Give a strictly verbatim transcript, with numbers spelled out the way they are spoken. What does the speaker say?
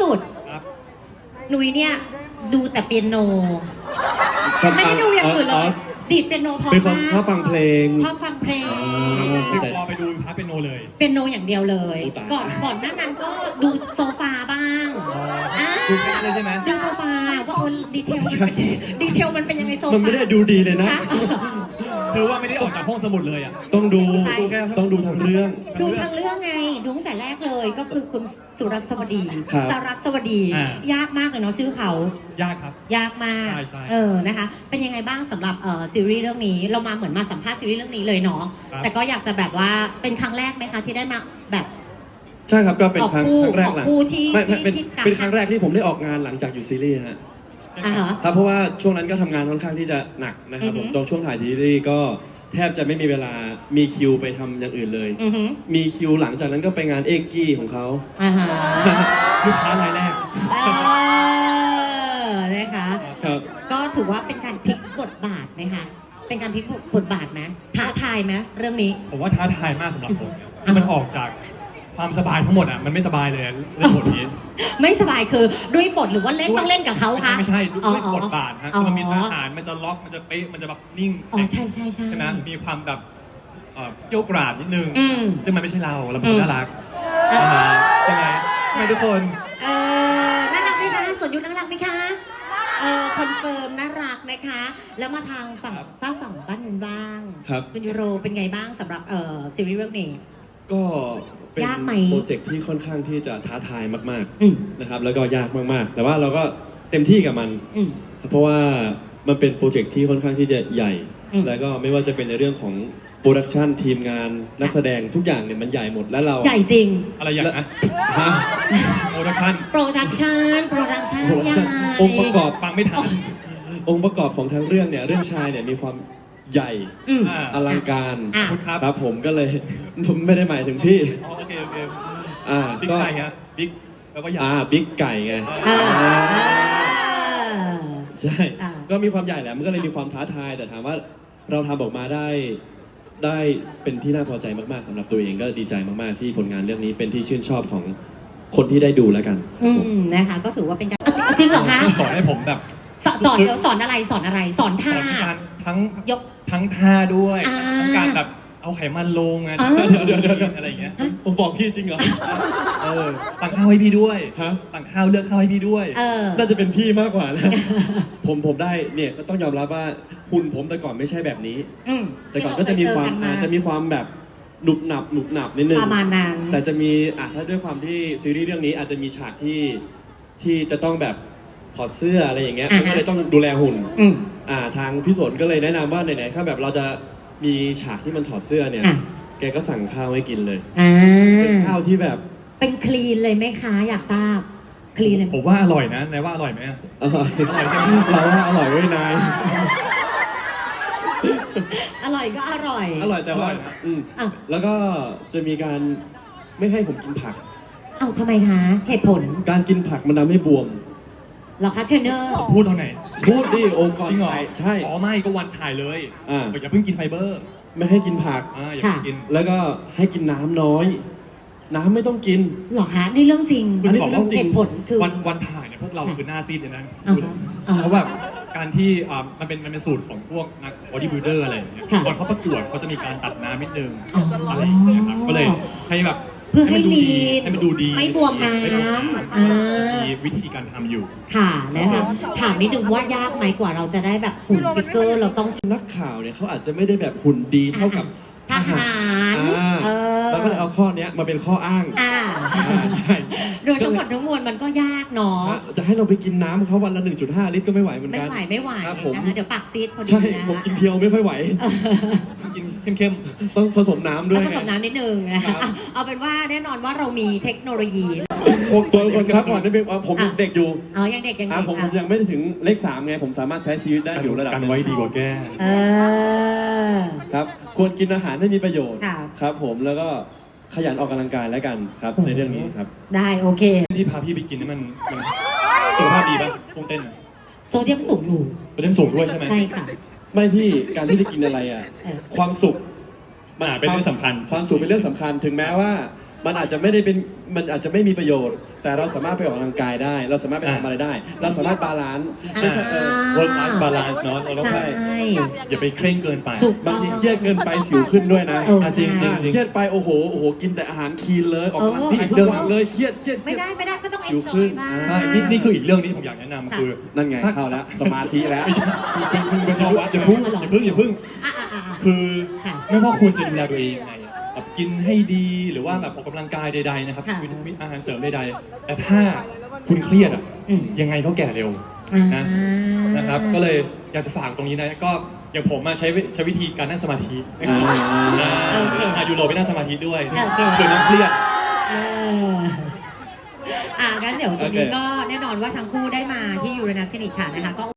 สุดหนุยเนี่ยดูแต่เปียโนไม่ได้ดูอย่างอื่นเลยดีดเปียโนพอมากชอบฟังเพลงชอบฟังเพลงไม่พอไปดูพาร์ทเปียโนเลยเปียโนอย่างเดียวเลยก่อนก่อนหน้านั้นก็ดูโซฟาบ้างดูแค่เลยใช่ไหมดูโซฟาว่าเออดีเทลมันเป็นดีเทลมันเป็นยังไงโซฟามันไม่ได้ดูดีเลยนะคือว่าไม่ได้ออกจากห้องสมุดเลยอ่ะต้องดูต้องดูทั้งเรื่องดูทั้งเรื่องไงดูตั้งแต่แรกเลยก็คือคุณสุรัสวดีสรัสวดี ยากมากเลยเนาะชื่อเขายากครับยากมากเออนะคะเป็นยังไงบ้างสำหรับเอ่อซีรีส์เรื่องนี้เรามาเหมือนมาสัมภาษณ์ซีรีส์เรื่องนี้เลยเนาะแต่ก็อยากจะแบบว่าเป็นครั้งแรกไหมคะที่ได้มาแบบใช่ครับก็เป็นครั้งแรกหลังไม่เป็นเป็นครั้งแรกที่ผมได้ออกงานหลังจากอยู่ซีรีส์ฮะครับเพราะว่าช่วงนั้นก็ทำงานค่อนข้างที่จะหนักนะครับผมตรงช่วงถ่ายซีรีส์ก็แทบจะไม่มีเวลามีคิวไปทำอย่างอื่นเลยมีคิวหลังจากนั้นก็ไปงานเอ็กกี้ของเขาลูกค้ารายแรกนะคะก็ถือว่าเป็นการพลิกบทบาทไหมคะเป็นการพลิกบทบาทไหมท้าทายไหมเรื่องนี้ผมว่าท้าทายมากสำหรับผมมันออกจากความสบายทั้งหมดอ่ะมันไม่สบายเลยเรื่องบทนี้ไม่สบายคือด้วยบทหรือว่าเล่นต้องเล่นกับเขาคะไม่ใช่ด้วยบทบาทฮะมันมีทหารมันจะล็อกมันจะเป๊ะมันจะแบบนิ่งอ๋อใช่ใช่ใช่ใช่ไหมมีความแบบเกี่ยวกราดนิดนึงซึ่งมันไม่ใช่เราเราเป็นคนน่ารักใช่ไหมใช่ไหมทุกคนน่ารักไหมคะสนยุทธน่ารักไหมคะเออคอนเฟิร์มน่ารักนะคะแล้วมาทางฝั่งฝ้าฝั่งบ้านนึงบ้างเป็นยูโรเป็นไงบ้างสำหรับเอ่อซีรีส์เรื่องนี้ก็เป็นโปรเจกต์ที่ค่อนข้างที่จะท้าทายมากๆนะครับแล้วก็ยากมากๆแต่ว่าเราก็เต็มที่กับมันเพราะว่ามันเป็นโปรเจกต์ที่ค่อนข้างที่จะใหญ่แล้วก็ไม่ว่าจะเป็นในเรื่องของโปรดักชันทีมงานนักแสดงทุกอย่างเนี่ยมันใหญ่หมดแล้วเราใหญ่จริงอะไรอย่างนะโปรดักชันโปรดักชันโปรดักชันใหญ่องค์ประกอบฟังไม่ทันองค์ประกอบของทั้งเรื่องเนี่ยเรื่องชายเนี่ยมีความใหญ่อลังการครับผมก็เลยผมไม่ได้หมายถึงพี่โอเคโอเคอ่าบิ๊กไก่ฮะบิ๊กแปลว่าใหญ่อ่าบิ๊กไก่ไงใช่ก็มีความใหญ่แหละมันก็เลยมีความท้าทายแต่ถามว่าเราทำออกมาได้ได้เป็นที่น่าพอใจมากๆสำหรับตัวเองก็ดีใจมากๆที่ผลงานเรื่องนี้เป็นที่ชื่นชอบของคนที่ได้ดูแล้วกันอืมนะคะก็ถือว่าเป็นการจริงเหรอคะสอนให้ผมแบบสอนเดี๋ยวสอนอะไรสอนอะไรสอนท่าทั้งยกทั้งท่าด้วยทั้งการแบบเอาไขมันลงไงเดี๋ยวเดี๋ยวอะไรอย่างเงี้ยผมบอกพี่จริงเหรอเออสั่งข้าวให้พี่ด้วยฮะสั่งข้าวเลือกข้าวให้พี่ด้วยน่าจะเป็นพี่มากกว่านะผมผมได้เนี่ยก็ต้องยอมรับว่าหุ่นผมแต่ก่อนไม่ใช่แบบนี้แต่ก่อนก็จะมีความจะมีความแบบหนุบหนับหนุบหนับนิดนึงประมาณนั้นแต่จะมีอ่ะถ้าด้วยความที่ซีรีส์เรื่องนี้อาจจะมีฉากที่ที่จะต้องแบบถอดเสื้ออะไรอย่างเงี้ยมันก็เลยต้องดูแลหุ่นอ่าทางพี่สนก็เลยแนะนำว่าไหนๆถ้าแบบเราจะมีฉากที่มันถอดเสื้อเนี่ยแกก็สั่งข้าวให้กินเลยเป็นข้าวที่แบบเป็นคลีนเลยไหมคะอยากทราบคลีนเลยผมว่าอร่อยนะนายว่าอร่อยไหมอร่อยเราว่าอร่อยด้วยนายอร่อยก็อร่อยอร่อยแต่ว่าอืมแล้วก็จะมีการไม่ให้ผมกินผักเอ้าทำไมคะเหตุผลการกินผักมันทำให้บวมหรอคะเทรนเนอร์พูดตอนไหนพูดดิโอ้ก่อนถ่ายใช่อ๋อไม่ก็วันถ่ายเลยอ่าอย่าเพิ่งกินไฟเบอร์ไม่ให้กินผักอ่าอย่ากินแล้วก็ให้กินน้ำน้อยน้ำไม่ต้องกินหรอคะนี่เรื่องจริงอันนี้เรื่องจริงเหตุผลคือวันวันถ่ายเนี่ยพวกเราคือหน้าซีดเลยนะเพราะแบบการที่อ่ามันเป็นมันเป็นสูตรของพวกนักบอดี้บิลดเออร์อะไรอย่างเงี้ยตอนเขาประกวดเขาจะมีการตัดน้ำนิดนึงอะไรอย่างเงี้ยครับก็เลยให้แบบเพื่อให้ลีนให้มันดูดีไม่บวมน้ำมีวิธีการทำอยู่ค่ะนะคะถามนิดนึงว่ายากไหมกว่าเราจะได้แบบหุ่นฟิกเกอร์เราต้องนักข่าวเนี่ยเขาอาจจะไม่ได้แบบหุ่นดีเท่ากับทหารแล้วก็เลยเอาข้อนี้มาเป็นข้ออ้างใช่โดยทั้งหมดทั้งมวลมันก็ยากเนาะจะให้เราไปกินน้ำเขาวันละ หนึ่งจุดห้า ลิตรก็ไม่ไหวเหมือนกันไม่ไหวไม่ไหวนะคะเดี๋ยวปากซีดพอดีนะใช่ผมกินเพียวไม่ค่อยไหวกินเข้มๆต้องผสมน้ำด้วยผสมน้ำนิดนึงเอาเป็นว่าแน่นอนว่าเรามีเทคโนโลยีคนครับก่อนนี่เป็นผมเด็กอยู่อ๋อยังเด็กยังเด็กผมยังไม่ถึงเลขสามไงผมสามารถใช้ชีวิตได้อยู่ระดับกันไว้ดีกว่าแก้ครับควรกินอาหารให้มีประโยชน์ครับผมแล้วก็ขยันออกกำลังกายแล้วกันครับในเรื่องนี้ครับได้โอเคที่พาพี่ไปกินนี่มันมันสุขภาพดีป่ะพุ่งเต้นโซเดียมสูงอยู่โซเดียมสูงด้วยใช่ไหมใช่ค่ะไม่พี่การที่ได้กินอะไรอ่ะความสุขมันเป็นเรื่องสำคัญความสุขเป็นเรื่องสำคัญถึงแม้ว่ามันอาจจะไม่ได้เป็นมันอาจจะไม่มีประโยชน์ แต่เราสามารถไปออกกำลังกายได้ เราสามารถไปทำอะไรได้ เราสามารถบาลานซ์ไม่ใช่เออ work life balance เนาะเราต้องใช่อย่าไปเคร่งเกินไปถูกบางทีเครียดเกินไปสิวขึ้นด้วยนะเอออ่ะจริงจริงจริงเครียดไปโอ้โหโอ้โหกินแต่อาหารคลีนเลยออกกำลังกายเออทุกวันเลยเครียดเครียดเครีไม่ยดได้ไม่ได้ก็ต้องเอ็สินวจขึ้อยนบ้างใช่นี่นี่คืออีกเรื่องนี้ผมอยากแนะนำคือนั่นไงเข้าแล้วสมาธิแล้วไม่ใช่คุณคุณไปเข้าวัดอย่าพึ่งอย่าพึ่งอย่าพึ่งอ่ะอ่ะอ่ะอ่ะคือค่ะไม่ว่าคุณจะดูแลตัวเองยังไงอะแบบกินให้ดีหรือว่าแบบออกกำลังกายใดๆนะครับค่ะวิตามินอาหารเสริมใดๆแต่ถ้าคุณเครียดอ่ะอืมยังไงก็แก่เร็วอ่านะนะครับก็เลยอยากจะฝากตรงนี้นะก็อย่างผมมาใช้วิใช้วิธีการนั่งสมาธินะครับอ่าอ่าโอเคอ่ายูโรไปนั่งสมาธิด้วยโอเคเกิดความเครียดเอออ่ะงั้นเดี๋ยวตรงนี้โอเคก็แน่นอนว่าทั้งคู่ได้มาที่ยูเรนัสคลินิกค่ะนะคะก็